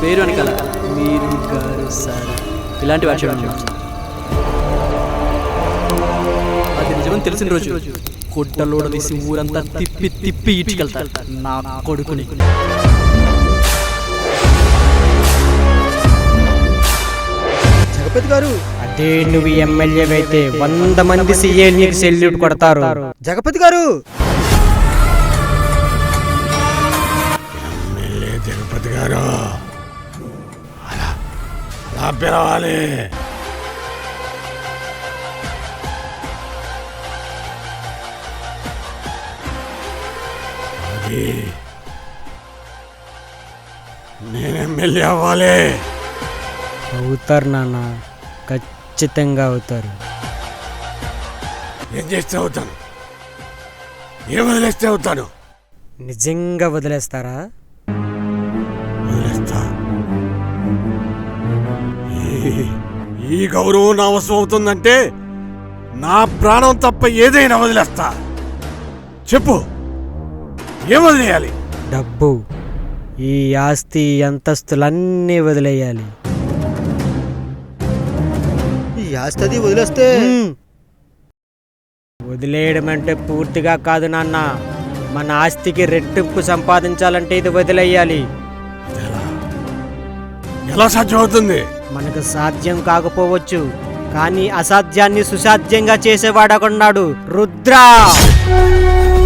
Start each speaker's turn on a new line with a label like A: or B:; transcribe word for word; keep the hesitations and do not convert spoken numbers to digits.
A: పేరు వెనకాల మీరు గారు సార్ ఇలాంటి వాటి అది నిజమని తెలిసిన రోజు గుడ్డలోడ తీసి ఊరంతా తిప్పి తిప్పి ఇటుకెళ్తారు నా కొడుకుని.
B: జగపతి గారు,
C: అదే నువ్వు ఎమ్మెల్యే అయితే వంద మంది సీఏ నీకు సెల్యూట్ కొడతారు.
B: జగపతి గారు,
D: ఎమ్మెల్యే జగపతి గారు అలా అలా పిలవాలి. అది నేను ఎమ్మెల్యే అవ్వాలి.
C: అవుతారు నాన్న, ఖచ్చితంగా అవుతారు.
D: ఏం చేస్తే అవుతాను, ఏం వదిలేస్తే అవుతాను.
C: నిజంగా వదిలేస్తారా?
D: వదిలేస్తా. ఈ- ఈ గౌరవం నా అవసరం అవుతుందంటే నా ప్రాణం తప్ప ఏదైనా వదిలేస్తా. చెప్పు, ఏం వదిలేయాలి?
C: డబ్బు, ఈ ఆస్తి అంతస్తులన్నీ వదిలేయాలి.
B: ఈ ఆస్తి వదిలేస్తే
C: మ్మ్. వదిలేయడం అంటే పూర్తిగా కాదు నాన్న, మన ఆస్తికి రెట్టింపు సంపాదించాలంటే ఇది వదిలేయాలి.
D: ఎలా ఎలా సాధ్యం అవుతుంది?
C: మనకు సాధ్యం కాకపోవచ్చు, కానీ అసాధ్యాన్ని సుసాధ్యంగా చేసేవాడొకడున్నాడు, రుద్ర.